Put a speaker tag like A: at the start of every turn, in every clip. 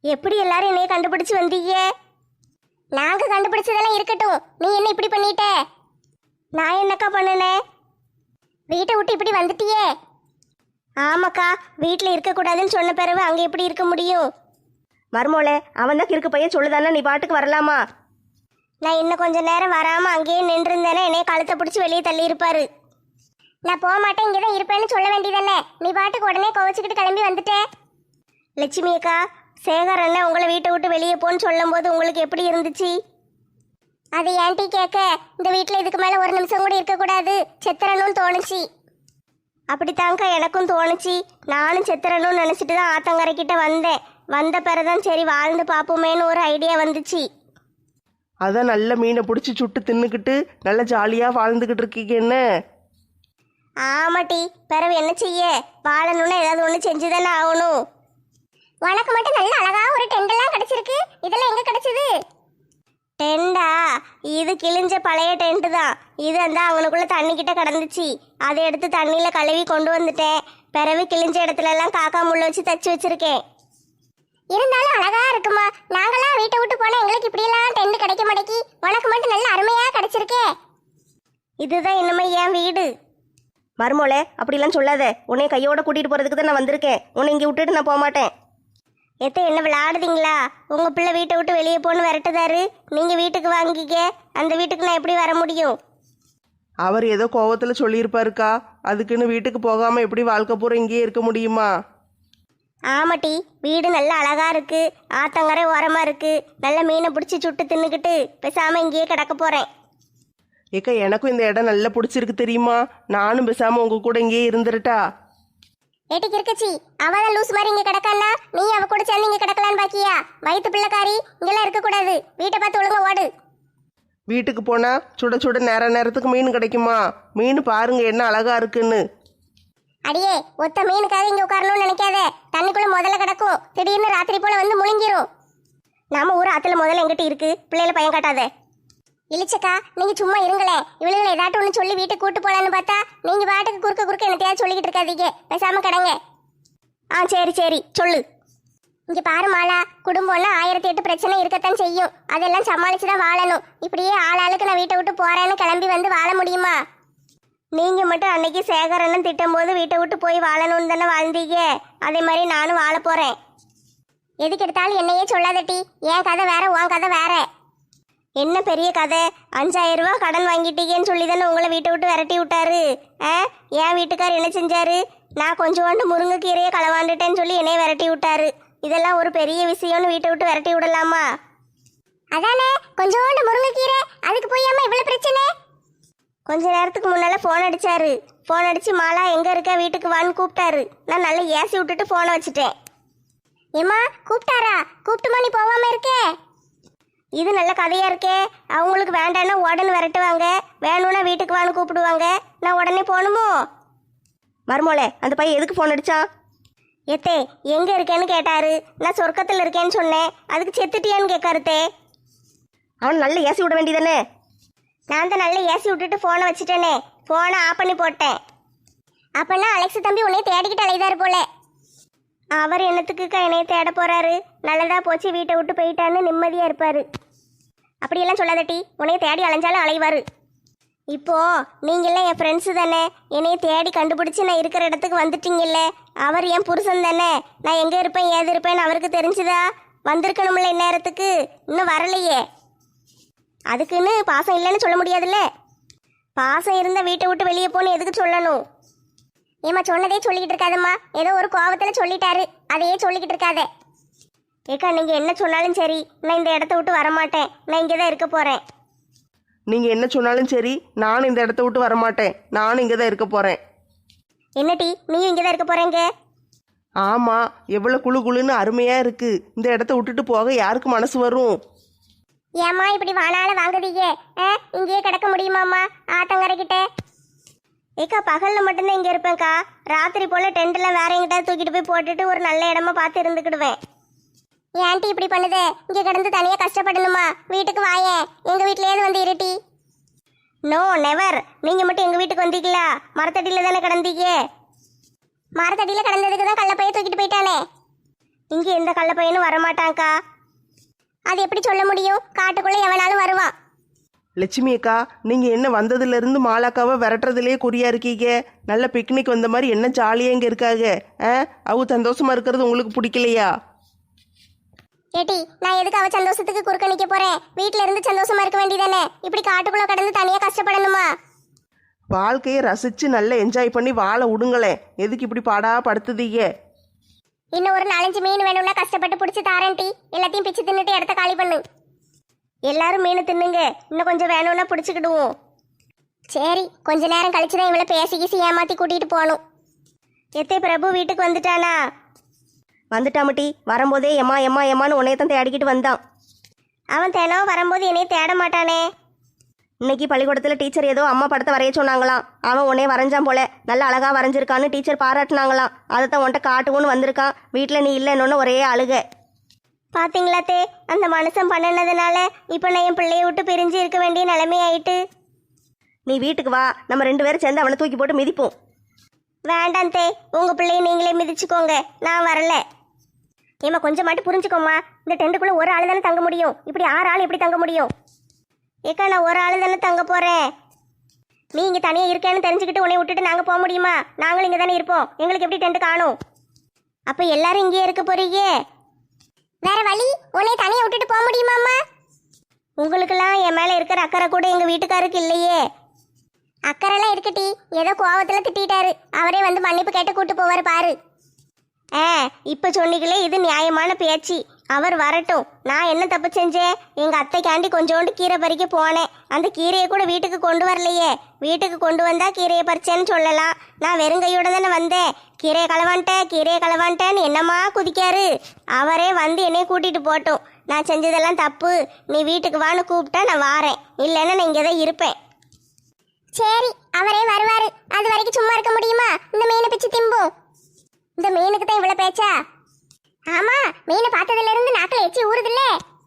A: எப்படி எல்லாரும் என்னைய கண்டுபிடிச்சு வந்தீங்க? நாங்க கண்டுபிடிச்சதெல்லாம் இருக்கட்டும், நீ என்ன இப்படி பண்ணிட்ட? நான் என்னக்கா பண்ணுனேன்? வீட்டை விட்டு இப்படி வந்துட்டியே. ஆமாக்கா, வீட்டில் இருக்கக்கூடாதுன்னு சொன்ன பிறகு அங்கே எப்படி இருக்க முடியும்?
B: மருமோளே, அவன் தான் கிறுக்கு பையன் சொல்லுதானே, நீ பாட்டுக்கு வரலாமா?
A: நான் இன்னும் கொஞ்ச நேரம் வராமல் அங்கேயே நின்றுருந்தேனே என்னைய கழுத்தை பிடிச்சி வெளியே தள்ளி இருப்பாரு. நான் போக மாட்டேன், இங்கே தான் இருப்பேன்னு சொல்ல வேண்டியதானே. நீ பாட்டுக்கு உடனே கோவச்சிக்கிட்டு கிளம்பி வந்துட்டேன். லட்சுமி அக்கா, சேகர் அண்ணன் உங்களை வீட்டை விட்டு வெளியே போன்னு சொல்லும் போது உங்களுக்கு எப்படி இருந்துச்சு? அது ஏன்டி கேட்க, இந்த வீட்டில் இதுக்கு மேலே ஒரு நிமிஷம் கூட இருக்கக்கூடாது, செத்துறணும்னு தோணுச்சு. அப்படித்தாங்க்கா எனக்கும் தோணுச்சு. நானும் செத்துறணும்னு நினச்சிட்டு தான் ஆத்தங்கரைக்கிட்ட வந்தேன். வந்த பிறதான் சரி வாழ்ந்து பார்ப்போமேன்னு ஒரு ஐடியா வந்துச்சு.
C: அதான் நல்ல மீனை பிடிச்சி சுட்டு தின்னுக்கிட்டு நல்ல ஜாலியாக வாழ்ந்துக்கிட்டு இருக்கீங்க என்ன?
A: ஆமாட்டி, பிறகு என்ன செய்ய, வாழணும்னா ஏதாவது ஒன்று செஞ்சு தானே ஆகணும். உனக்கு மட்டும் நல்ல அழகா ஒரு டெண்டெல்லாம் கிடைச்சிருக்கு, இதெல்லாம் எங்க கிடைச்சது? டெண்டா? இது கிழிஞ்ச பழைய டென்ட் தான். இது அந்த அவனுக்குள்ள தண்ணி கிட்ட கிடந்துச்சு, அதை எடுத்து தண்ணியில கழுவி கொண்டு வந்துட்டேன். பிறகு கிழிஞ்ச இடத்துல எல்லாம் காக்கா முள்ள வச்சு தச்சு வச்சிருக்கேன். இருந்தாலும் அழகா இருக்குமா? நாங்களாம் வீட்டை விட்டு போனா எங்களுக்கு இப்படியெல்லாம் டென்ட் கிடைக்க மாட்டேங்கி, உனக்கு மட்டும் நல்ல அருமையா கிடைச்சிருக்கே. இதுதான் இன்னுமே என் வீடு.
B: மருமோளே, அப்படிலாம் சொல்லாத. உன்னை கையோட கூட்டிட்டு போறதுக்கு தான் நான் வந்திருக்கேன். உன்னை இங்கே விட்டுட்டு நான் போக மாட்டேன்.
A: எத்த என்ன விளையாடுதீங்களா? உங்க பிள்ளை வீட்டை விட்டு வெளியே போன்னு விரட்டுதாரு, நீங்க வீட்டுக்கு வாங்கிக்க. அந்த வீட்டுக்கு நான் எப்படி வர முடியும்?
C: அவர் ஏதோ கோவத்தில் சொல்லியிருப்பாருக்கா, அதுக்குன்னு வீட்டுக்கு போகாமல் எப்படி வாழ்க்கை பூரா இங்கேயே இருக்க முடியுமா?
A: ஆமாட்டி, வீடு நல்ல அழகா இருக்கு, ஆத்தங்கரை ஓரமா இருக்கு. நல்ல மீனை பிடிச்சி சுட்டு தின்னுக்கிட்டு பேசாம இங்கேயே கிடக்க போறேன்.
C: ஏக்கா, எனக்கும் இந்த இடம் நல்லா பிடிச்சிருக்கு தெரியுமா? நானும் பேசாமல் உங்கள் கூட இங்கேயே இருந்துருட்டா?
A: ஏட்டிக்கு இருக்கச்சி, அவதான் லூஸ் மாதிரி இங்க கிடக்கானா, நீ அவ கூட சேர்ந்து இங்க கிடக்கலான்னு பாக்கியா? வயிற்று பிள்ளைக்காரி, இங்கெல்லாம் இருக்க கூடாது. வீட்டை பார்த்து ஒழுங்கா ஓடு.
C: வீட்டுக்கு போனால் சுட சுட நேரத்துக்கு மீன் கிடைக்குமா? மீன் பாருங்க என்ன அழகா இருக்குன்னு.
A: அடியே, ஒத்த மீனுக்காக இங்க உட்காரணும்னு நினைக்காத. தண்ணிக்குள்ள முதல்ல கிடக்கும், திடீர்னு ராத்திரி போல வந்து முழுங்கிரும். நாம ஊர் ஆத்துல முதல்ல எங்கிட்ட இருக்கு, பிள்ளைல பயம் காட்டாத. இழிச்சக்கா, நீங்க சும்மா இருங்களேன். இவளுகளை ஏதாட்டும் ஒன்று சொல்லி வீட்டுக்கு கூட்டு போலான்னு பார்த்தா நீங்க பாட்டுக்கு குறுக்க என்னத்தையாவது சொல்லிக்கிட்டு இருக்காதீங்க. பேசாம கடங்க. சரி சரி சொல்லு. இங்க பாரு மாலா, குடும்பம்னா 1008 பிரச்சனை இருக்கத்தான் செய்யும். அதெல்லாம் சமாளிச்சுதான் வாழணும். இப்படியே ஆளாளுக்கு நான் வீட்டை விட்டு போறேன்னு கிளம்பி வந்து வாழ முடியுமா? நீங்க மட்டும் அன்னைக்கு சேகரன்னு திட்டும் போது வீட்டை விட்டு போய் வாழணும்னு தானே வாழ்ந்தீங்க. அதே மாதிரி நானும் வாழ போறேன். எதுக்கு எடுத்தாலும் என்னையே சொல்லாதட்டி. என் கதை வேற, உன் கதை வேற. என்ன பெரிய கதை? 5000 ரூபா கடன் வாங்கிட்டீங்கன்னு சொல்லி தானே உங்களை வீட்டை விட்டு விரட்டி விட்டாரு. என் வீட்டுக்கார் என்ன செஞ்சாரு? நான் கொஞ்சோண்டு முருங்கைக்கீரையை களவாண்டுட்டேன்னு சொல்லி என்னைய விரட்டி விட்டாரு. இதெல்லாம் ஒரு பெரிய விஷயம்னு வீட்டை விட்டு விரட்டி விடலாமா? அதானே, கொஞ்சோண்டு முருங்கைக்கீரை, அதுக்கு போயாம இவ்வளவு பிரச்சனை? கொஞ்ச நேரத்துக்கு முன்னால ஃபோன் அடிச்சாரு. ஃபோன் அடிச்சு மாலா எங்க இருக்க, வீட்டுக்கு வான்னு கூப்பிட்டாரு. நான் நல்லா ஏசி விட்டுட்டு ஃபோனை வச்சுட்டேன். ஏமா கூப்பிட்டாரா? கூப்பிட்டுமா நீ போகாம இருக்கே? இது நல்ல கதையா இருக்கே. அவங்களுக்கு வேண்டான்னா உடனே விரட்டுவாங்க, வேணும்னா வீட்டுக்கு வான்னு கூப்பிடுவாங்க. நான் உடனே போகணுமோ?
B: மருமோளே, அந்த பையன் எதுக்கு ஃபோன் அடிச்சான்?
A: எத்தே எங்க இருக்கேன்னு கேட்டாரு. நான் சொர்க்கத்தில் இருக்கேன்னு சொன்னேன். அதுக்கு செத்துட்டியான்னு கேட்காருத்தே.
B: அவன் நல்ல ஏசி விட வேண்டியதானே?
A: நான் தான் நல்லா ஏசி விட்டுட்டு ஃபோனை வச்சுட்டேனே. ஃபோனை ஆஃப் பண்ணி போட்டேன். அப்பன்னா அலெக்ஸ் தம்பி உன்னைய தேடிக்கிட்டு அலைதாரு போல. அவர் என்னத்துக்குக்கா என்னைய தேட போறாரு? நல்லதா போச்சு, வீட்டை விட்டு போயிட்டான்னு நிம்மதியா இருப்பாரு. அப்படியெல்லாம் சொல்லாதட்டி, உன்னைய தேடி அலைஞ்சாலும் அலைவாரு. இப்போ நீங்களாம் என் ஃப்ரெண்ட்ஸு தானே, என்னைய தேடி கண்டுபிடிச்சி நான் இருக்கிற இடத்துக்கு வந்துட்டீங்கல்ல. அவர் என் புருஷன் தானே. நான் எங்கே இருப்பேன் ஏது இருப்பேன்னு அவருக்கு தெரிஞ்சுதா? வந்திருக்கணும்ல இந்நேரத்துக்கு. இன்னும் வரலையே. அதுக்குன்னு பாசம் இல்லைன்னு சொல்ல முடியாதுல்ல. பாசம் இருந்தால் வீட்டை விட்டு வெளியே போன்னு எதுக்கு சொல்லணும்? ஏமா சொன்னதே சொல்லிக்கிட்டு இருக்காதம்மா. ஏதோ ஒரு கோபத்தில் சொல்லிட்டாரு, அதையே சொல்லிக்கிட்டு இருக்காத. ஏக்கா, நீங்கள் என்ன சொன்னாலும் சரி, நான் இந்த இடத்த விட்டு வரமாட்டேன். நான் இங்கே தான் இருக்க போகிறேன்.
C: நீங்கள் என்ன சொன்னாலும் சரி, நானும் இந்த இடத்த விட்டு வரமாட்டேன். நானும் இங்கே தான் இருக்க போகிறேன்.
A: என்னடி, நீயும் இங்கே தான் இருக்க போகிறேங்க?
C: ஆமாம், எவ்வளோ குளு குளுன்னு அருமையாக இருக்குது. இந்த இடத்த விட்டுட்டு போக யாருக்கு மனசு வரும்?
A: ஏம்மா இப்படி வானால வாங்குதீங்க? இங்கேயே கிடக்க முடியுமாம்மா ஆத்தங்கரைக்கிட்ட? ஏக்கா, பகலில் மட்டும்தான் இங்கே இருப்பேன்க்கா. ராத்திரி போல் டென்ட்டில் வேற எங்கிட்ட தூக்கிட்டு போய் போட்டுட்டு ஒரு நல்ல இடமா பார்த்து இருந்துக்கிடுவேன். ஏன் ஆண்டி இப்படி பண்ணுதே? இங்கே கிடந்து தனியாக கஷ்டப்படணுமா? வீட்டுக்கு வாயேன், எங்கள் வீட்டிலேயே வந்து இருட்டி. No never. நீங்கள் மட்டும் எங்கள் வீட்டுக்கு வந்தீங்களா? மரத்தடியில் தானே கிடந்தீங்க. மரத்தடியில் கிடந்ததுக்கு தான் கள்ளப்பைய தூக்கிட்டு போயிட்டானே. இங்க எந்த கள்ள பையனும் வரமாட்டான்க்கா. அது எப்படி சொல்ல முடியும்? காட்டுக்குள்ள எவனாலும் வருவான்.
C: லட்சுமி அக்கா, நீங்கள் என்ன வந்ததுலேருந்து மாலாக்காவை விரட்டுறதுலேயே குறியா இருக்கீங்க. நல்ல பிக்னிக் வந்த மாதிரி என்ன ஜாலியாக இங்கே இருக்காங்க. அவங்க சந்தோஷமாக இருக்கிறது உங்களுக்கு பிடிக்கலையா?
A: ஏட்டி, நான் எதுக்கு அவ சந்தோஷத்துக்கு குறுக்க நிக்க போறேன்? வீட்ல இருந்து சந்தோஷமா இருக்க வேண்டியதானே? இப்படி காட்டுக்குள்ள கடந்து தனியா கஷ்டப்படணுமா?
C: வாழ்க்கையை ரசித்து நல்லா என்ஜாய் பண்ணி வாழ விடுங்களேன். எதுக்கு இப்படி பாடா படுத்துதீங்க?
A: இன்னும் ஒரு 4-5 மீன் வேணும்னா கஷ்டப்பட்டு பிடிச்சி தாரேன் டி. எல்லாத்தையும் பிச்சு தின்னுட்டு இடத்த காலி பண்ணு. எல்லாரும் மீன் தின்னுங்க, இன்னும் கொஞ்சம் வேணும்னா பிடிச்சிக்கிடுவோம். சரி, கொஞ்ச நேரம் கழிச்சு தான் இவளை பேசி கீசி ஏமாத்தி கூட்டிட்டு போகணும். எத்தே பிரபு வீட்டுக்கு வந்துட்டானா?
B: வந்துட்டாமட்டி. வரும்போதே எம்மா எம்மா எம்மான்னு உன்னையத்தான் தேடிக்கிட்டு வந்தான்.
A: அவன் தினம் வரும்போது என்னைய தேட மாட்டானே.
B: இன்னைக்கு பள்ளிக்கூடத்தில் டீச்சர் ஏதோ அம்மா படத்தை வரைய சொன்னாங்களாம். அவன் உன்னே வரைஞ்சான் போல. நல்லா அழகா வரைஞ்சிருக்கான்னு டீச்சர் பாராட்டினாங்களாம். அதை தான் உன்ட்ட காட்டுவோன்னு வந்திருக்கான். வீட்டில் நீ இல்லைன்னு ஒரே அழுக.
A: பாத்தீங்களா தே, அந்த மனுஷன் பண்ணினதுனால இப்போ நான் என் பிள்ளைய விட்டு பிரிஞ்சு இருக்க வேண்டிய நிலைமை ஆயிட்டு.
B: நீ வீட்டுக்கு வா, நம்ம 2 பேரும் சேர்ந்து அவனை தூக்கி போட்டு மிதிப்போம்.
A: வேண்டாம் தே, உங்க பிள்ளைய நீங்களே மிதிச்சுக்கோங்க, நான் வரல. ஏமா கொஞ்சம் மட்டும் புரிஞ்சுக்கோமா. இந்த டெண்டுக்குள்ள ஒரு ஆளு தானே தங்க முடியும். இப்படி 6 ஆள் எப்படி தங்க முடியும்? ஏக்கா, நான் ஒரு ஆளு தானே தங்க போறேன். நீ இங்க தனியா இருக்கேன்னு தெரிஞ்சுக்கிட்டு உன்னை விட்டுட்டு நாங்க போக முடியுமா? நாங்களும் இங்க தானே இருப்போம். எங்களுக்கு எப்படி டென்ட் காணும்? அப்ப எல்லாரும் இங்கேயே இருக்க போறீங்க. வேற வழி? உன்னை தனியா விட்டுட்டு போக முடியுமாம்மா? உங்களுக்கெல்லாம் என் மேல இருக்கிற அக்கறை கூட எங்க வீட்டுக்காருக்கு இல்லையே. அக்கறைலாம் இருக்கட்டி, ஏதோ கோவத்துல திட்டாரு. அவரே வந்து மன்னிப்பு கேட்டு கூட்டு போவாரு பாரு. இப்ப சொன்னீங்களே, இது நியாயமான பேச்சு. அவர் வரட்டும். நான் என்ன தப்பு செஞ்சேன்? எங்க அத்தைக்காண்டி கொஞ்சோண்டு கீரை பறிக்க போனேன். அந்த கீரையை கூட வீட்டுக்கு கொண்டு வரலையே. வீட்டுக்கு கொண்டு வந்தா கீரையை பறிச்சேன்னு சொல்லலாம். நான் வெறுங்கையோட தானே வந்தேன். கீரையை களவான்ட்டேன்னு என்னம்மா குதிக்காரு. அவரே வந்து என்னைய கூட்டிட்டு போட்டோம். நான் செஞ்சதெல்லாம் தப்பு. நீ வீட்டுக்கு வான்னு கூப்பிட்டா நான் வாரேன். இல்லைன்னா நான் இங்கே தான் இருப்பேன். சரி, அவரே வருவாரு. அது வரைக்கும் சும்மா இருக்க முடியுமா? இந்த மீனை பிச்சு திம்போம். இந்த மீனுக்கு தான் இவ்வளவு பேச்சா? ஆமா, மீனை பார்த்ததுல இருந்து நாக்கில் எச்சி ஊறுதுல்ல.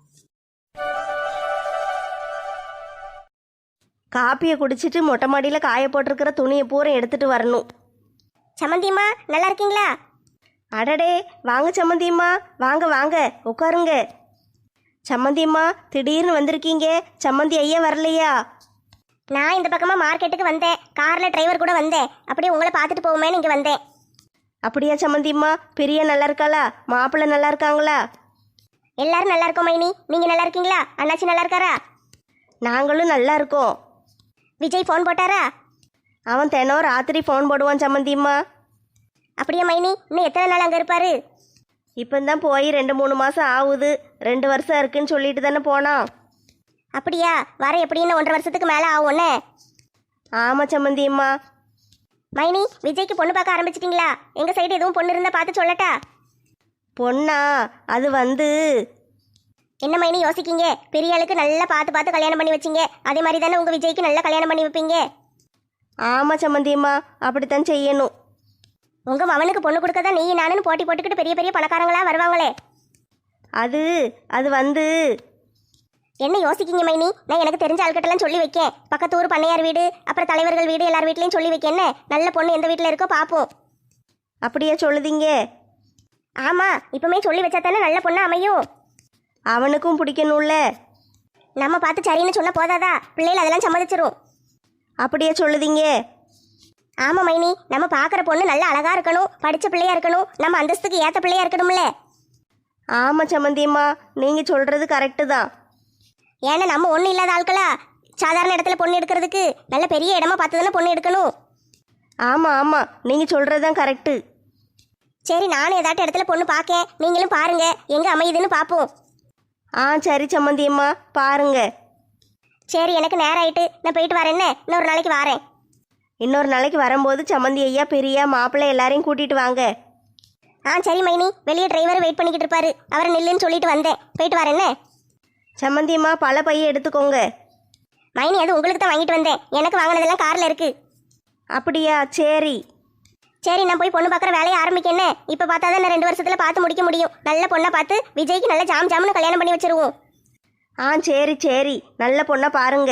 B: காப்பியை குடிச்சிட்டு மொட்டை மாடியில் காய போட்டிருக்கிற துணியை பூரா எடுத்துட்டு வரணும்.
A: சம்மந்தியம்மா, நல்லா இருக்கீங்களா?
B: அடடே, வாங்க சம்மந்தியம்மா, வாங்க வாங்க உட்காருங்க. சம்மந்தியம்மா, திடீர்னு வந்திருக்கீங்க. சம்மந்தி ஐயா வரலையா?
A: நான் இந்த பக்கமா மார்க்கெட்டுக்கு வந்தேன். கார்ல டிரைவர் கூட வந்தேன். அப்படியே உங்களை பார்த்துட்டு போவோமேன்னு இங்க வந்தேன்.
B: அப்படியா சம்மந்தியம்மா? பிரியா நல்லா இருக்காளா? மாப்பிள்ளை நல்லா இருக்காங்களா?
A: எல்லாரும் நல்லா இருக்கோம் மைனி. நீங்க நல்லா இருக்கீங்களா? அண்ணாச்சி நல்லா இருக்காரா?
B: நாங்களும் நல்லா இருக்கோம்.
A: விஜய் ஃபோன் போட்டாரா?
B: அவன் தினம் ராத்திரி ஃபோன் போடுவான் சம்மந்தியம்மா.
A: அப்படியா மைனி? இன்னும் எத்தனை நாள் அங்கே இருப்பாரு?
B: இப்போதான் போய் 2-3 மாதம் ஆகுது. 2 வருஷம் இருக்குன்னு சொல்லிட்டு தானே போனான்.
A: அப்படியா? வர எப்படின்னு 1.5 வருஷத்துக்கு மேலே ஆகும்னே.
B: ஆமாம் சம்மந்தியம்மா.
A: மைனி, விஜய்க்கு பொண்ணு பார்க்க ஆரம்பிச்சிட்டிங்களா? எங்கள் சைடு எதுவும் பொண்ணு இருந்தால் பார்த்து சொல்லட்டா?
B: பொண்ணா? அது
A: என்ன மைனி யோசிக்கீங்க? பெரிய ஆளுக்கு நல்லா பார்த்து கல்யாணம் பண்ணி வச்சிங்க. அதே மாதிரி தானே உங்கள் விஜய்க்கு நல்லா கல்யாணம் பண்ணி வைப்பீங்க.
B: ஆமாம் சம்மந்தியம்மா, அப்படித்தான் செய்யணும்.
A: உங்கள் மவனுக்கு பொண்ணு கொடுக்க தான் நீ நானுன்னு போட்டி போட்டுக்கிட்டு பெரிய பெரிய பணக்காரங்களா வருவாங்களே.
B: அது
A: என்ன யோசிக்கீங்க மைனி? நான் எனக்கு தெரிஞ்ச ஆள்கிட்டலாம் சொல்லி வைக்கேன். பக்கத்து ஊர் பண்ணையார் வீடு, அப்புறம் தலைவர்கள் வீடு, எல்லார் வீட்லையும் சொல்லி வைக்கேன்னு. நல்ல பொண்ணு எந்த வீட்டில் இருக்கோ பார்ப்போம்.
B: அப்படியே சொல்லுதீங்க?
A: ஆமாம், இப்போமே சொல்லி வச்சா தானே நல்ல பொண்ணு அமையும்.
B: அவனுக்கும் பிடிக்கணும்ல.
A: நம்ம பார்த்து சரின்னு சொன்ன போதாதா? பிள்ளைகள் அதெல்லாம் சம்மதிச்சிரும்.
B: அப்படியே சொல்லுதீங்க?
A: ஆமாம் மைனி, நம்ம பார்க்குற பொண்ணு நல்லா அழகா இருக்கணும், படித்த பிள்ளையா இருக்கணும், நம்ம அந்தஸ்துக்கு ஏற்ற பிள்ளையா இருக்கணும்ல.
B: ஆமாம் சம்மந்தியம்மா, நீங்கள் சொல்கிறது கரெக்டு தான்.
A: ஏன்னா நம்ம ஒன்றும் இல்லாத ஆட்களா? சாதாரண இடத்துல பொண்ணு எடுக்கிறதுக்கு நல்ல பெரிய இடமா பார்த்து தானே பொண்ணு எடுக்கணும்.
B: ஆமாம் நீங்கள் சொல்கிறது தான் கரெக்டு.
A: சரி, நானும் ஏதாட்டும் இடத்துல பொண்ணு பார்க்கேன். நீங்களும் பாருங்க, எங்கே அமையுதுன்னு பார்ப்போம்.
B: சரி சம்மந்தியம்மா, பாருங்க.
A: சரி, எனக்கு நேரம் ஆயிட்டு, நான் போயிட்டு வரேன். இன்னொரு நாளைக்கு வரேன்.
B: இன்னொரு நாளைக்கு வரும்போது சம்மந்தி ஐயா, பெரியா, மாப்பிள்ளை எல்லாரையும் கூட்டிட்டு வாங்க.
A: சரி மைனி, வெளியே டிரைவர் வெயிட் பண்ணிக்கிட்டு இருப்பாரு. அவரை நில்லுன்னு சொல்லிட்டு வந்தேன். போயிட்டு வரேன்.
B: சம்மந்தியம்மா, பல பையை எடுத்துக்கோங்க.
A: மைனி, அது உங்களுக்கு தான் வாங்கிட்டு வந்தேன். எனக்கு வாங்கினதெல்லாம் காரில் இருக்கு.
B: அப்படியா? சரி,
A: நான் போய் பொண்ணு பார்க்குற வேலையை ஆரம்பிக்கேன். இப்போ பார்த்தா தான் நான் 2 வருஷத்தில் பார்த்து முடிக்க முடியும். நல்ல பொண்ணை பார்த்து விஜய்க்கு நல்ல ஜாம்னு கல்யாணம் பண்ணி வச்சிருவோம்.
B: சரி, நல்ல பொண்ணை பாருங்க.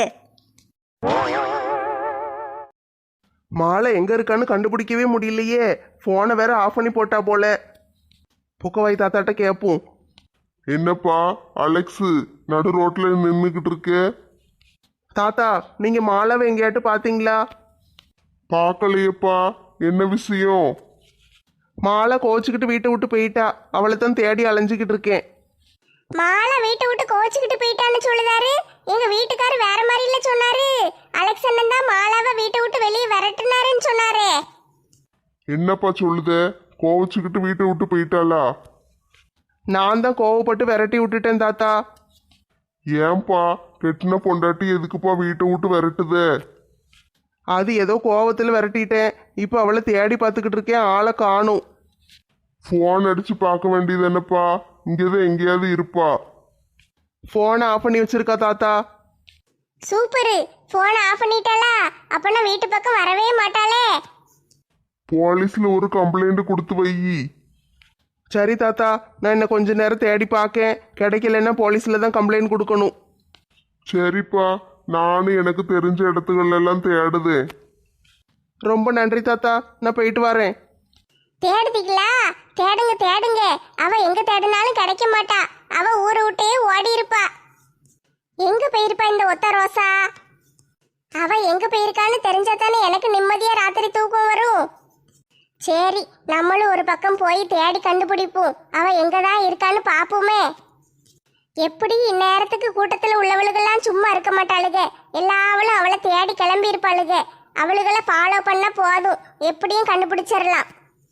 C: மாலை எங்கே இருக்கான்னு கண்டுபிடிக்கவே முடியலையே. ஃபோனை வேற ஆஃப் பண்ணி போட்டா போல. புக்கவாய் தாத்தாட்ட கேட்போம்.
D: என்னப்பா அலெக்ஸு நடு ரோட்ல நின்றுக்கிட்டு இருக்க?
C: தாத்தா, நீங்க மாலாவை எங்கேயாட்டு பாத்தீங்களா?
D: பார்க்கலையேப்பா. என்ன விஷயம்?
C: மாலா கோச்சிக்கிட்டு வீட்டை விட்டு போயிட்டா. அவளை தான் தேடி அலைஞ்சிக்கிட்டு இருக்கேன்.
A: மாலா வீட்டை விட்டு கோச்சிக்கிட்டு போயிட்டான்னு சொல்லுதாரு. எங்க வீட்டுக்காரர் வேற மாதிரி இல்ல சொன்னாரு. அலெக்ஸ் அண்ணன் தான் மாலாவை வீட்டை விட்டு வெளியே விரட்டுனாருன்னு சொன்னாரு.
D: என்னப்பா சொல்லுத? கோவச்சுக்கிட்டு வீட்டை விட்டு போயிட்டாளா?
C: நான் தான் கோவப்பட்டு விரட்டி விட்டுட்டேன் தாத்தா.
D: ஏன்பா கெட்டின பொண்டாட்டி எதுக்குப்பா வீட்டை விட்டு விரட்டுதே?
C: அது ஏதோ கோவத்தில் விரட்டிட்டேன். இப்போ அவளை தேடி பார்த்துக்கிட்டு இருக்கேன். ஆளை காணும்.
D: ஃபோன் அடிச்சு பார்க்க வேண்டியது என்னப்பா? இங்கேதான் எங்கேயாவது இருப்பா.
C: ஃபோனை ஆஃப் பண்ணி வச்சிருக்கா தாத்தா.
A: சூப்பரு, போனை ஆஃப் பண்ணிட்டாளா? அப்பனா வீட்டு பக்கம் வரவே மாட்டாளே.
D: போலீஸ்ல ஒரு கம்ப்ளைண்ட் கொடுத்து வை.
C: சரி தாத்தா, நான் இன்னும் கொஞ்ச நேரம் தேடி பார்க்கேன். கிடைக்கலன்னா போலீஸில் தான் கம்ப்ளைண்ட் கொடுக்கணும்.
D: சரிப்பா, நானும் எனக்கு தெரிஞ்ச இடத்துகள் எல்லாம் தேடுதேன்.
C: ரொம்ப நன்றி தாத்தா, நான் போயிட்டு வரேன்.
A: தேடுதீங்களா? தேடுங்க தேடுங்க. அவ எங்க தேடினாலும் கிடைக்க மாட்டா. அவ ஊரை விட்டே ஓடி இருப்பா. எங்க போயிருப்பா இந்த ஒத்த ரோசா? அவ எங்க போயிருக்கான்னு தெரிஞ்சா தானே எனக்கு நிம்மதியா ராத்திரி தூக்கம் வரும். சரி, நம்மளும் ஒரு பக்கம் போய் தேடி கண்டுபிடிப்போம். அவ எங்கதான் இருக்கான்னு பாப்போமே. எப்படி இந்நேரத்துக்கு கூட்டத்துல உள்ளவளுகெல்லாம் சும்மா இருக்க மாட்டாளுக. எல்லாவளும் அவளை தேடி கிளம்பி இருப்பாளுக. அவளுகளை ஃபாலோ பண்ண போதும், எப்படியும் கண்டுபிடிச்சிடலாம்.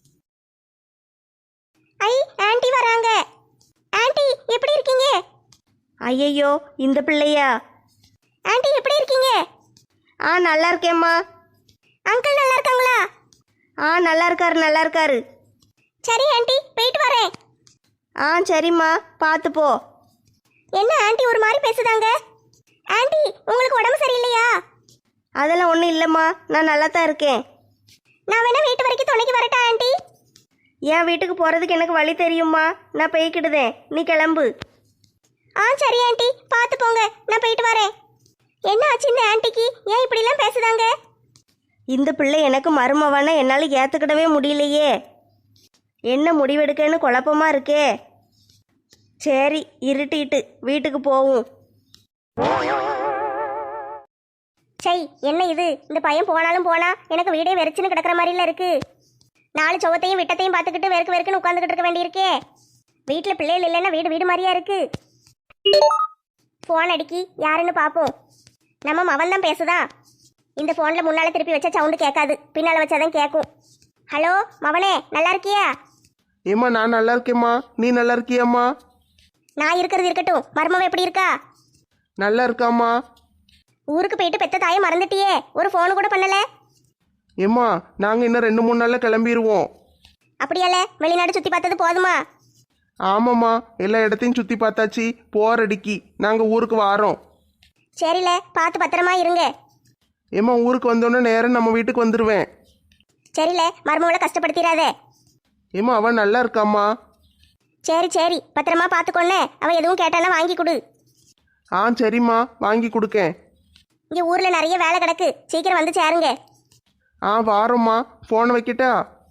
A: ஐ, ஆன்ட்டி வராங்க. ஆன்ட்டி எப்படி இருக்கீங்க?
B: ஐயையோ, இந்த பிள்ளையா?
A: ஆன்ட்டி எப்படி இருக்கீங்க?
B: நல்லா இருக்கேம்மா.
A: அங்கிள் நல்லா இருக்காங்களா?
B: நல்லா இருக்காரு, நல்லா இருக்காரு.
A: சரி ஆன்ட்டி, போயிட்டு வரேன்.
B: சரிம்மா, பார்த்து போ.
A: என்ன ஆன்ட்டி ஒரு மாதிரி பேசுதாங்க? ஆன்ட்டி, உங்களுக்கு உடம்பு சரியில்லையா?
B: அதெல்லாம் ஒன்றும் இல்லைம்மா, நான் நல்லா தான் இருக்கேன்.
A: நான் வேணா வீட்டு வரைக்கும் துணைக்கு வரட்டா ஆன்ட்டி?
B: என் வீட்டுக்கு போகிறதுக்கு எனக்கு வழி தெரியுமா? நான் போய்க்கிடுதேன், நீ கிளம்பு.
A: சரி ஆன்ட்டி, பார்த்து போங்க. நான் போயிட்டு வரேன். என்ன ஆச்சு இந்த ஆன்ட்டிக்கு? ஏன் இப்படிலாம் பேசுதாங்க?
B: இந்த பிள்ளை எனக்கு மருமவனை என்னால் ஏற்றுக்கிடவே முடியலையே. என்ன முடிவெடுக்கன்னு குழப்பமா இருக்கே. சரி, இருட்டிட்டு வீட்டுக்கு போவோம்.
A: சை, என்ன இது? இந்த பையன் போனாலும் போனா எனக்கு வீடே வெறிச்சுன்னு கிடக்கிற மாதிரில இருக்கு. 4 சவத்தையும் விட்டத்தையும் பார்த்துக்கிட்டு வெறுக்கு வெறுக்குன்னு உட்காந்துக்கிட்டு இருக்க வேண்டியிருக்கே. வீட்டில் பிள்ளைகள் இல்லைன்னா வீடு வீடு மாதிரியா இருக்கு. ஃபோன் அடிக்கி, யாருன்னு பார்ப்போம். நம்ம மவன் தான் பேசுதா. இந்த ஃபோனில் முன்னால் திருப்பி வச்சா சவுண்டு கேட்காது, பின்னால் வச்சாதான் கேட்கும். ஹலோ மவனே, நல்லா இருக்கியா?
C: ஏம்மா, நான் நல்லா இருக்கேம்மா. நீ நல்லா இருக்கியாம்மா?
A: நான் இருக்கிறது இருக்கட்டும், மருமவ எப்படி இருக்கா?
C: நல்லா இருக்காம்மா.
A: ஊருக்கு போயிட்டு பெத்த தாயை மறந்துட்டியே, ஒரு ஃபோனு கூட பண்ணல.
C: ஏம்மா, நாங்கள் இன்னும் 2-3 நாளில் கிளம்பிடுவோம்.
A: அப்படியால வெளிநாடு சுற்றி பார்த்தது போதுமா?
C: ஆமாம்மா, எல்லா இடத்தையும் சுற்றி பார்த்தாச்சு. போரடிக்கி நாங்கள் ஊருக்கு வாரோம்.
A: சரில, பார்த்து பத்திரமா இருங்க.
C: ஏம்மா, ஊருக்கு வந்தோடனே நேரம் நம்ம வீட்டுக்கு வந்துடுவேன்.
A: சரில, மருமவளை கஷ்டப்படுத்திடாத.
C: ஏம்மா, அவன் நல்லா இருக்காம்மா.
A: சரி சரி, பத்திரமா பார்த்துக்கொன்னே. அவன் எதுவும் கேட்டானா வாங்கி கொடு.
C: சரிம்மா, வாங்கி கொடுக்கேன்.
A: இங்கே ஊரில் நிறைய வேலை கிடக்கு, சீக்கிரம் வந்து சேருங்க.
C: வாரோம்மா. ஃபோனை வைக்கிட்டா?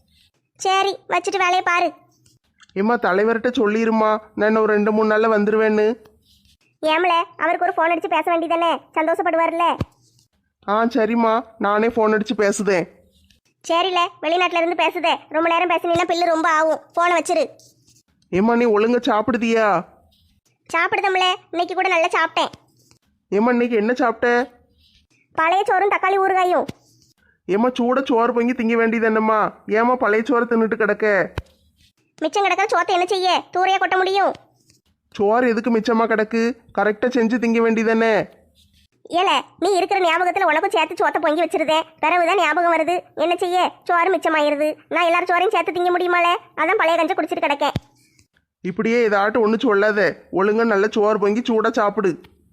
A: சரி, வச்சுட்டு வேலையை பாரு.
C: ஏம்மா, தலைவர்கிட்ட சொல்லிடுமா, நான் இன்னும் ஒரு 2-3 நாளில் வந்துடுவேன்னு.
A: ஏமல, அவருக்கு ஒரு ஃபோன் அடிச்சு பேச வேண்டியதானே, சந்தோஷப்படுவார்ல.
C: சரிம்மா, நானே ஃபோன் அடித்து பேசுதேன்.
A: சரில, வெளிநாட்டுல இருந்து பேசுதே, ரொம்ப நேரம் பேசினீங்கன்னா பில்லு ரொம்ப ஆகும். ஃபோனை வச்சிரு.
C: ஏம்மா, நீ ஒழுங்கா சாப்பிடுதியா?
A: சாப்பிடுதம்ல, இன்னைக்கு கூட நல்லா சாப்பிட்டேன்.
C: ஏம்மா, இன்னைக்கு என்ன சாப்பிட்ட?
A: பழைய சோறும் தக்காளி ஊறுகாயும்.
C: ஏம்மா, சூட சோறு பொங்கி திங்க வேண்டியது என்னம்மா? ஏம்மா பழைய சோறு தின்னுட்டு கிடக்க?
A: மிச்சம் கிடக்கிற சோத்தை என்ன செய்ய? தூரையா கொட்ட முடியும்?
C: சோறு எதுக்கு மிச்சமாக கிடக்கு? கரெக்டாக செஞ்சு திங்க வேண்டியதானே?
A: ஏல, நீ இருக்கிற ஞாபகத்தில் உனக்கும் சேர்த்து சோத்தை பொங்கி வச்சிருதேன். பிறகுதான் ஞாபகம் வருது. என்ன செய்ய? சோறு மிச்சமாயிருது. நான் எல்லாரும் சோறையும் சேர்த்து திங்க முடியுமாலே? அதான் பழைய கஞ்சை குடிச்சிட்டு கிடக்கேன்.
C: இப்படியே ஏதாட்டும் ஒன்று சொல்லாத. ஒழுங்கா நல்ல சோறு பொங்கி சூடாக சாப்பிடு.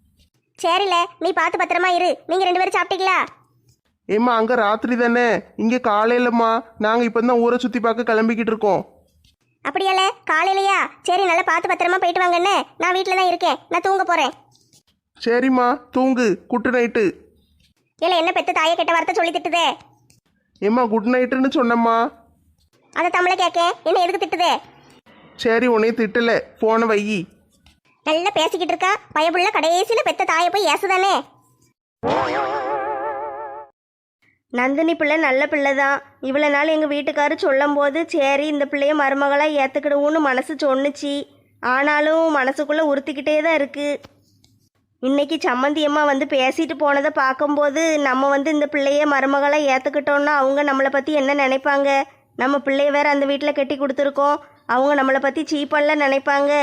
A: சரில, நீ பார்த்து பத்திரமா இரு. நீங்க 2 பேரும் சாப்பிட்டீங்களா?
C: ஏம்மா, அங்கே ராத்திரி தானே, இங்கே காலையிலம்மா. நாங்கள் இப்போ தான் ஊரை சுற்றி பார்க்க கிளம்பிக்கிட்டு இருக்கோம்.
A: அப்படியால, காலையிலையா? சரி, நல்லா பார்த்து பத்திரமா போயிட்டு வாங்கண்ணே. நான் வீட்டில் தான் இருக்கேன். நான் தூங்க போறேன்.
C: சரிம்மா, தூங்கு. Good night.
A: இல்ல, என்ன பெத்த தாயை கெட்ட வார்த்தை சொல்லி திட்டுதே?
C: ஏம்மா, குட் நைட்டுன்னு சொன்னம்மா.
A: அதை தமிழை கேட்க என்ன எதுக்கு திட்டுதே?
C: சரி உன்னைய திட்டல, போன வையி.
A: நல்லா பேசிக்கிட்டு இருக்கா பயப்புள்ள, கடைசியில பெத்த தாயை போய் ஏசுதானே.
B: நந்தினி பிள்ளை நல்ல பிள்ளை தான். இவ்வளோ நாள் எங்கள் வீட்டுக்காரர் சொல்லும் போது சரி இந்த பிள்ளைய மருமகளாக ஏற்றுக்கிடுவோன்னு மனசு சொன்னுச்சு. ஆனாலும் மனசுக்குள்ளே உறுத்திக்கிட்டே தான் இருக்குது. இன்னைக்கு சம்மந்தி அம்மா வந்து பேசிட்டு போனதை பார்க்கும்போது நம்ம வந்து இந்த பிள்ளைய மருமகளாக ஏற்றுக்கிட்டோன்னா அவங்க நம்மளை பற்றி என்ன நினைப்பாங்க? நம்ம பிள்ளைய வேற அந்த வீட்டில் கட்டி கொடுத்துருக்கோம், அவங்க நம்மளை பற்றி சீப்பெல்லாம் நினைப்பாங்க.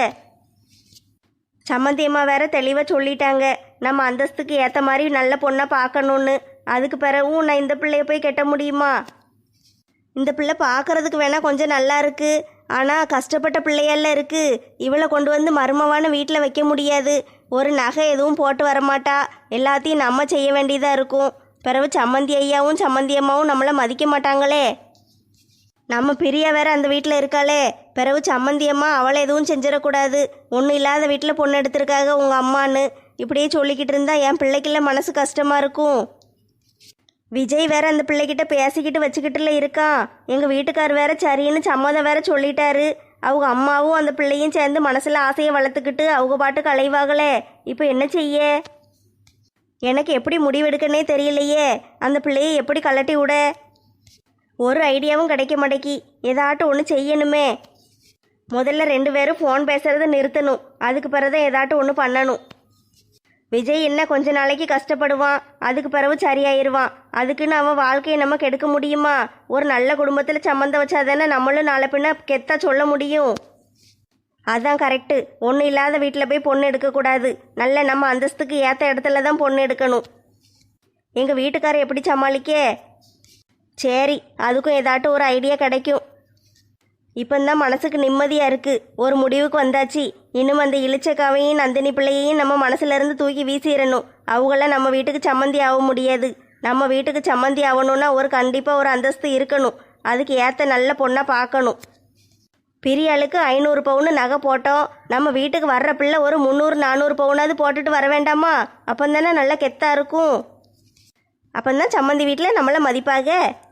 B: சம்மந்தி அம்மா வேற தெளிவாக சொல்லிட்டாங்க, நம்ம அந்தஸ்துக்கு ஏற்ற மாதிரி நல்ல பொண்ணாக பார்க்கணுன்னு. அதுக்கு பிறகும் நான் இந்த பிள்ளைய போய் கட்ட முடியுமா? இந்த பிள்ளை பார்க்கறதுக்கு வேணால் கொஞ்சம் நல்லா இருக்குது, ஆனால் கஷ்டப்பட்ட பிள்ளையெல்லாம் இருக்குது. இவளை கொண்டு வந்து மருமவான வீட்டில் வைக்க முடியாது. ஒரு நகை எதுவும் போட்டு வரமாட்டா, எல்லாத்தையும் நம்ம செய்ய வேண்டியதாக இருக்கும். பிறகு சம்மந்தி ஐயாவும் சம்மந்தி அம்மாவும் நம்மளை மதிக்க மாட்டாங்களே. நம்ம பிரியா வேற அந்த வீட்டில் இருக்காளே, பிறகு சம்மந்தி அம்மா அவளை எதுவும் செஞ்சிடக்கூடாது. ஒன்றும் இல்லாத வீட்டில் பொண்ணு எடுத்திருக்காங்க உங்கள் அம்மான்னு இப்படியே சொல்லிக்கிட்டு இருந்தா என் பிள்ளைக்குள்ள மனசு கஷ்டமாக இருக்கும். விஜய் வேற அந்த பிள்ளைகிட்ட பேசிக்கிட்டு வச்சுக்கிட்டுல இருக்கான். எங்கள் வீட்டுக்கார் வேற சரின்னு சம்மதம் வேற சொல்லிட்டாரு. அவங்க அம்மாவும் அந்த பிள்ளையும் சேர்ந்து மனசில் ஆசையை வளர்த்துக்கிட்டு அவங்க பாட்டுக்கு அலைவாங்களே. இப்போ என்ன செய்ய? எனக்கு எப்படி முடிவெடுக்கனே தெரியலையே. அந்த பிள்ளையை எப்படி கலட்டி விட? ஒரு ஐடியாவும் கிடைக்க மாட்டேக்கி. ஏதாட்டும் ஒன்று செய்யணுமே. முதல்ல 2 பேரும் ஃபோன் பேசுகிறத நிறுத்தணும், அதுக்கு பிறகுதான் ஏதாட்டும் ஒன்று பண்ணணும். விஜய் என்ன கொஞ்ச நாளைக்கு கஷ்டப்படுவான், அதுக்கு பிறகு சரியாயிருவான். அதுக்குன்னு அவன் வாழ்க்கையை நம்ம கெடுக்க முடியுமா? ஒரு நல்ல குடும்பத்தில் சம்மந்தம் வச்சாதானே நம்மளும் நாளை பின்ன கெத்தா சொல்ல முடியும். அதான் கரெக்டு. ஒன்றும் இல்லாத வீட்டில் போய் பொண்ணு எடுக்கக்கூடாது. நல்ல நம்ம அந்தஸ்துக்கு ஏற்ற இடத்துல தான் பொண்ணு எடுக்கணும். எங்கள் வீட்டுக்காரர் எப்படி சமாளிக்க? சரி, அதுக்கும் ஏதாட்டும் ஒரு ஐடியா கிடைக்கும். இப்போந்தான் மனசுக்கு நிம்மதியாக இருக்குது. ஒரு முடிவுக்கு வந்தாச்சு. இன்னும் அந்த இளிச்சக்காவையும் நந்தினி பிள்ளையையும் நம்ம மனசுலேருந்து தூக்கி வீசிடணும். அவங்களாம் நம்ம வீட்டுக்கு சம்மந்தி ஆக முடியாது. நம்ம வீட்டுக்கு சம்மந்தி ஆகணும்னா கண்டிப்பாக ஒரு அந்தஸ்து இருக்கணும். அதுக்கு ஏற்ற நல்ல பொண்ணாக பார்க்கணும். பிரியாளுக்கு 500 பவுன் நகை போட்டோம். நம்ம வீட்டுக்கு வர்ற பிள்ளை ஒரு 300-400 பவுனாவது போட்டுட்டு வர வேண்டாமா? அப்போந்தானே நல்லா கெத்தாக இருக்கும். அப்போந்தான் சம்மந்தி வீட்டில் நம்மளை மதிப்பாக.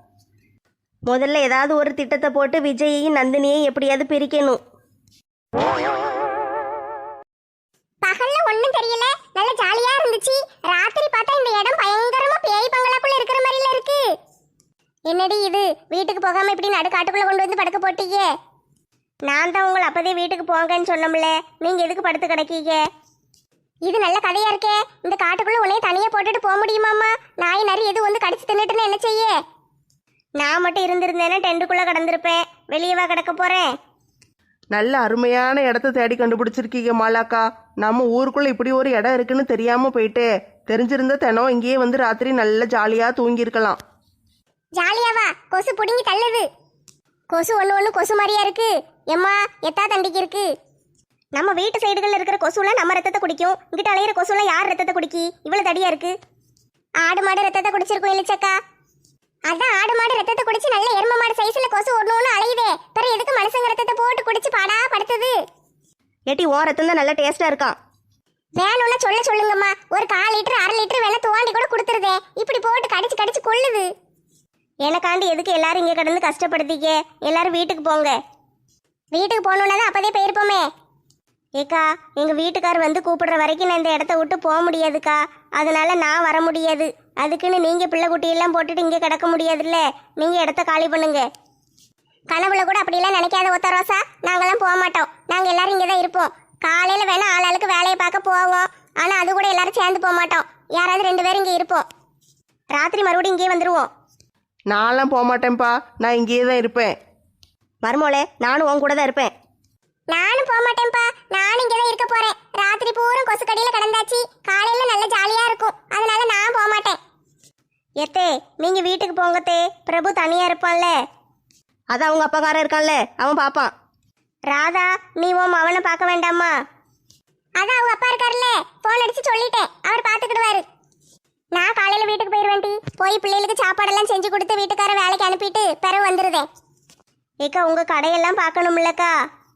B: முதல்ல ஏதாவது ஒரு திட்டத்தை போட்டு விஜயையும் நந்தினியையும் எப்படியாவது பிரிக்கணும்.
A: பகல்ல ஒண்ணும் தெரியல, நல்ல ஜாலியா இருந்துச்சு. ராத்திரி பார்த்தா இந்த இடம் பயங்கரமா பேய் பங்களாக்குள்ள இருக்கிற மாதிரில இருக்கு. என்னடி இது, வீட்டுக்கு போகாம இப்படி நடுக்காட்டுக்குள்ள கொண்டு வந்து படுக்க போட்டீங்க? நான் தான் உங்களை அப்பதே வீட்டுக்கு போங்கன்னு சொன்னோம்ல, நீங்க எதுக்கு படுத்து கிடக்கீங்க? இது நல்ல கதையா இருக்கே. இந்த காட்டுக்குள்ள உன்னைய தனியா போட்டுட்டு போக முடியுமாமா? நாய் நரி எது வந்து கடிச்சு தின்னுட்டுன்னு என்ன செய்ய? நான் மட்டும் இருந்திருந்தேன்னா டென்ட்டுக்குள்ள கிடந்திருப்பேன். வெளியவா கிடக்க போறேன்?
C: நல்ல அருமையான இடத்த தேடி கண்டுபிடிச்சிருக்கீங்க மாலாக்கா. நம்ம ஊருக்குள்ள இப்படி ஒரு இடம் இருக்குன்னு தெரியாம போயிட்டே. தெரிஞ்சிருந்த தினம் இங்கேயே வந்து ராத்திரி நல்ல ஜாலியா தூங்கியிருக்கலாம்.
A: ஜாலியாவா? கொசு புடுங்கி தள்ளுது. கொசு ஒண்ணு கொசு மாதிரியா இருக்கு. எம்மா எத்தா தண்டிக்கு இருக்கு. நம்ம வீட்டு சைடுகள்ல இருக்கிற கொசுலாம் நம்ம ரத்தத்தை குடிக்கும். இங்கிட்ட அலையிற கொசுலாம் யார் ரத்தத்தை குடிக்கி? இவ்வளவு தடியா இருக்கு. ஆடு மாடு ரத்தத்தை குடிச்சிருக்கும் இல்லச்சக்கா. அதான் ஆடு மாடு ரத்தத்தை குடிச்சு நல்ல எரும மாடு சைஸ்ல கொசு ஒண்ணு அலையுதே. பிறகு எதுக்கு மனுஷங்க ரத்தத்தை போட்டு குடிச்சு பாடா படுத்துது?
B: ஏட்டி ஓ ரத்தம் தான் நல்லா டேஸ்டா இருக்கான்.
A: வேணும்னா சொல்லுங்கம்மா. ஒரு 1/4 லிட்டர் 1/2 லிட்டர் வேணா துவாண்டி கூட கொடுத்துருதே. இப்படி போட்டு கடிச்சு கடிச்சு கொள்ளுது. எனக்காண்டி எதுக்கு எல்லாரும் இங்க கடந்து கஷ்டப்படுத்திக்க? எல்லாரும் வீட்டுக்கு போங்க. வீட்டுக்கு போகணுன்னா தான் அப்பதே போயிருப்போமே. ஏக்கா, எங்க வீட்டுக்கார் வந்து கூப்பிடுற வரைக்கும் நான் இந்த இடத்த விட்டு போக முடியாதுக்கா. அதனால நான் வர முடியாது. அதுக்குன்னு நீங்க பிள்ளை குட்டியெல்லாம் போட்டுட்டு இங்கே கிடக்க முடியாதுல்ல. நீங்க இடத்த காலி பண்ணுங்க. கனவுல கூட அப்படியெல்லாம் நினைக்காத ஒத்த ரோசா. நாங்கெல்லாம் போக மாட்டோம். நாங்க எல்லாரும் இங்கே தான் இருப்போம். காலையில வேணா ஆளாளுக்கு வேலையை பார்க்க போவோம். ஆனா அது கூட எல்லாரும் சேர்ந்து போக மாட்டோம். யாராவது 2 பேரும் இங்கே இருப்போம். ராத்திரி மறுபடியும் இங்கே வந்துருவோம்.
C: நான்லாம் போக மாட்டேன்ப்பா, நான் இங்கேயே தான் இருப்பேன்.
B: மருமோளே, நானும் உன் கூட தான் இருப்பேன்.
A: நானும் போக மாட்டேன்ப்பா. நானும் இங்கே தான் இருக்க போறேன். ராத்திரி பூரா கொசு கடியில கிடந்தாச்சு. காலையில நல்ல ஜாலியா இருக்கும். அதனால நான் போக மாட்டேன். எத்தே, நீங்க வீட்டுக்கு போங்கத்தே. பிரபு தனியா இருப்பான்ல.
B: அதான் அவங்க அப்பாக்காரன் இருக்கான்ல, அவன் பாப்பான்.
A: ராதா, நீ உன் அவனை பார்க்க வேண்டாமா? அதான் அவங்க அப்பா இருக்காருல்ல, போன் அடிச்சு சொல்லிட்டேன். அவர் பார்த்துக்கிடுவாரு. நான் காலையில வீட்டுக்கு போயிருவேன்டி. போய் பிள்ளைகளுக்கு சாப்பாடெல்லாம் செஞ்சு கொடுத்து வீட்டுக்கார வேலைக்கு அனுப்பிட்டு பிறகு வந்துருதேன்.
B: ஏக்கா, உங்க கடையெல்லாம் பார்க்கணும்லக்கா?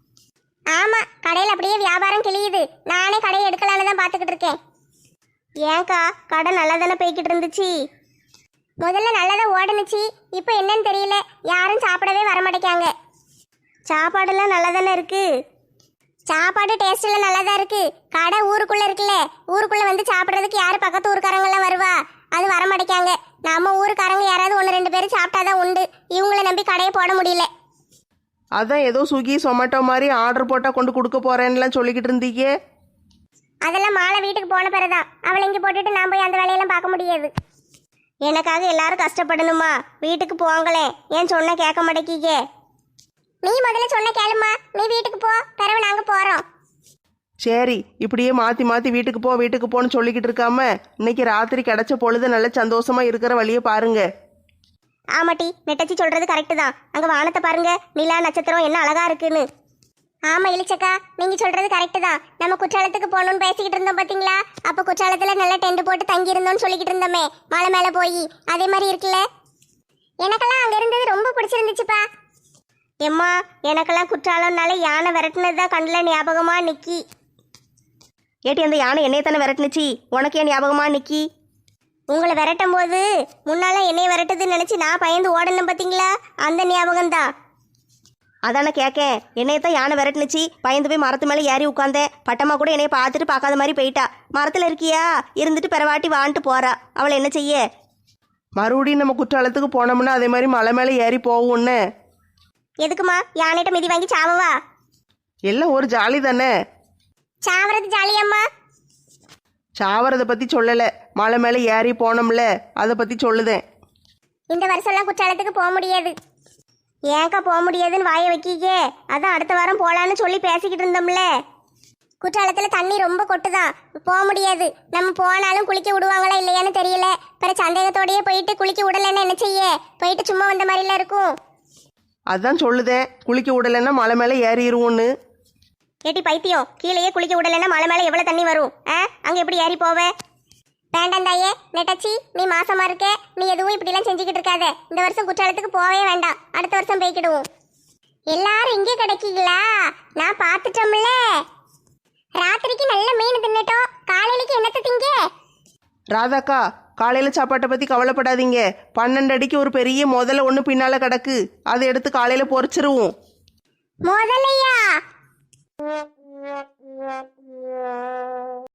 A: ஆமா, கடையில் அப்படியே வியாபாரம் கிளியுது. நானே கடையை எடுக்கலான்னு தான் பார்த்துக்கிட்டு இருக்கேன்.
B: ஏன்க்கா, கடை நல்லா தானே போய்கிட்டு இருந்துச்சு?
A: முதல்ல நல்லதா ஓடுனுச்சு. இப்போ என்னன்னு தெரியல, யாரும் சாப்பிடவே வரமாட்டேங்காங்க. சாப்பாடெல்லாம் நல்லா தானே இருக்கு. சாப்பாடு டேஸ்ட் எல்லாம் நல்லா தான் இருக்கு. கடை ஊருக்குள்ள இருக்குல்ல, ஊருக்குள்ள வந்து சாப்பிட்றதுக்கு யாரு பக்கத்து ஊருக்காரங்கெல்லாம் வருவா? அது வர மாட்டேங்காங்க. நம்ம ஊருக்காரங்க யாராவது 1-2 பேர் சாப்பிட்டாதான் உண்டு. இவங்கள நம்பி கடையை போட முடியல.
C: அதான் ஏதோ ஸ்விக்கி சொமேட்டோ மாதிரி ஆர்டர் போட்டால் கொண்டு கொடுக்க போகிறேன்னுலாம் சொல்லிக்கிட்டு இருந்தீங்க.
A: அதெல்லாம் மாலை வீட்டுக்கு போன பிறதான். அவளை இங்கே போட்டுட்டு நான் போய் அந்த வேலையெல்லாம் பார்க்க முடியாது.
B: எனக்காக எல்லாரும் கஷ்டப்படணுமா? வீட்டுக்கு போங்களேன். ஏன் சொன்ன கேட்க மாட்டேக்கீங்க?
A: நீ முதல்ல சொன்ன கேளுமா. நீ வீட்டுக்கு போ, பிறகு நாங்க போறோம்.
C: சரி, இப்படியே மாற்றி மாற்றி வீட்டுக்கு போன்னு சொல்லிக்கிட்டு இருக்காம இன்னைக்கு ராத்திரி கிடைச்ச பொழுது நல்ல சந்தோஷமா இருக்கிற வழியை பாருங்க.
B: ஆமாட்டி, நெட்டச்சி சொல்றது கரெக்டு தான். அங்க வானத்தை பாருங்க, நிலா நட்சத்திரம் என்ன அழகா இருக்குன்னு.
A: ஆமா இளிச்சக்கா, நீங்க சொல்றது கரெக்டு தான். நம்ம குற்றாலத்துக்கு போகணும்னு பேசிக்கிட்டு இருந்தோம் பாத்தீங்களா? அப்ப குற்றாலத்துல நல்ல டென்ட் போட்டு தங்கி இருந்தோம்னு சொல்லிக்கிட்டு இருந்தோமே, மலை மேல போய். அதே மாதிரி இருக்குல்ல. எனக்கெல்லாம் அங்க இருந்தது ரொம்ப பிடிச்சிருந்துச்சுப்பா.
B: எம்மா, எனக்கெல்லாம் குற்றாலம்னால யானை விரட்டுனது தான் கண்ணில் ஞாபகமா நிக்கி. ஏட்டி, அந்த யானை என்னைய தானே விரட்டுனுச்சு, உனக்கு ஏன் ஞாபகமா நிக்கி? உங்களை விரட்டும் போது முன்னால என்னைய விரட்டுதுன்னு நினைச்சு நான் பயந்து ஓடணும் பார்த்தீங்களா? அந்த ஞாபகம் தான். அதானே கேட்கேன். என்னையத்தான் யானை விரட்டுனுச்சு, பயந்து போய் மரத்து மேலே ஏறி உட்காந்தேன். பட்டம்மா கூட என்னைய பார்த்துட்டு பார்க்காத மாதிரி போயிட்டா. மரத்தில் இருக்கியா இருந்துட்டு பிறவாட்டி வான்ட்டு போறா. அவளை என்ன செய்ய?
C: மறுபடியும் நம்ம குற்றாலத்துக்கு போனோம்னா அதே மாதிரி மலை மேலே ஏறி போவோம்னு.
B: எதுக்குமா யானைகிட்ட மிதி வாங்கி சாவவா?
C: எல்லாம் ஒரு ஜாலி தானே.
A: சாவறது ஜாலியம்மா.
C: சாவறதை பற்றி சொல்லலை, மலை மேலே ஏறி போனோம்ல அதை பற்றி சொல்லுதேன்.
A: இந்த வருஷம்லாம் குற்றாலத்துக்கு போக முடியாது.
B: ஏன்க்கா போக முடியாதுன்னு வாயை வைக்கீங்க? அதான் அடுத்த வாரம் போகலான்னு சொல்லி பேசிக்கிட்டு இருந்தோம்ல.
A: குற்றாலத்துல தண்ணி ரொம்ப கொட்டுதான், போக முடியாது. நம்ம போனாலும் குளிக்க விடுவாங்களா இல்லையான்னு தெரியல. பிற சந்தேகத்தோடயே போயிட்டு குளிக்க விடலன்னு என்ன செய்ய? போயிட்டு சும்மா வந்த மாதிரிலாம் இருக்கும்.
C: அதான் சொல்லுதேன், குளிக்க விடலைன்னா மலை மேலே ஏறிடுவோன்னு.
B: ஏட்டி பைத்தியம், கீழேயே குளிக்க விடலைன்னா மலை மேலே எவ்வளோ தண்ணி வரும்? அங்கே எப்படி ஏறி போவே?
A: வேண்டாம் தாயே. நெட்டச்சி, நீ மாசமா இருக்க. நீ எதுவும் இப்படிலாம் செஞ்சுக்கிட்டு இருக்காத. இந்த வருஷம் குற்றாலத்துக்கு போவே வேண்டாம். அடுத்த வருஷம் போய்க்கிடுவோம். எல்லாரும் இங்கே கிடைக்கீங்களா? நான் பார்த்துட்டோம்ல. ராத்திரிக்கு நல்ல மீன் தின்னுட்டோம். காலையிலக்கு என்னத்தை திங்க?
C: ராதாக்கா, காலையில் சாப்பாட்டை பற்றி கவலைப்படாதீங்க. 12 அடிக்கு ஒரு பெரிய முதல்ல ஒன்று பின்னால் கிடக்கு, அதை எடுத்து காலையில் பொரிச்சிருவோம்.
A: முதலையா?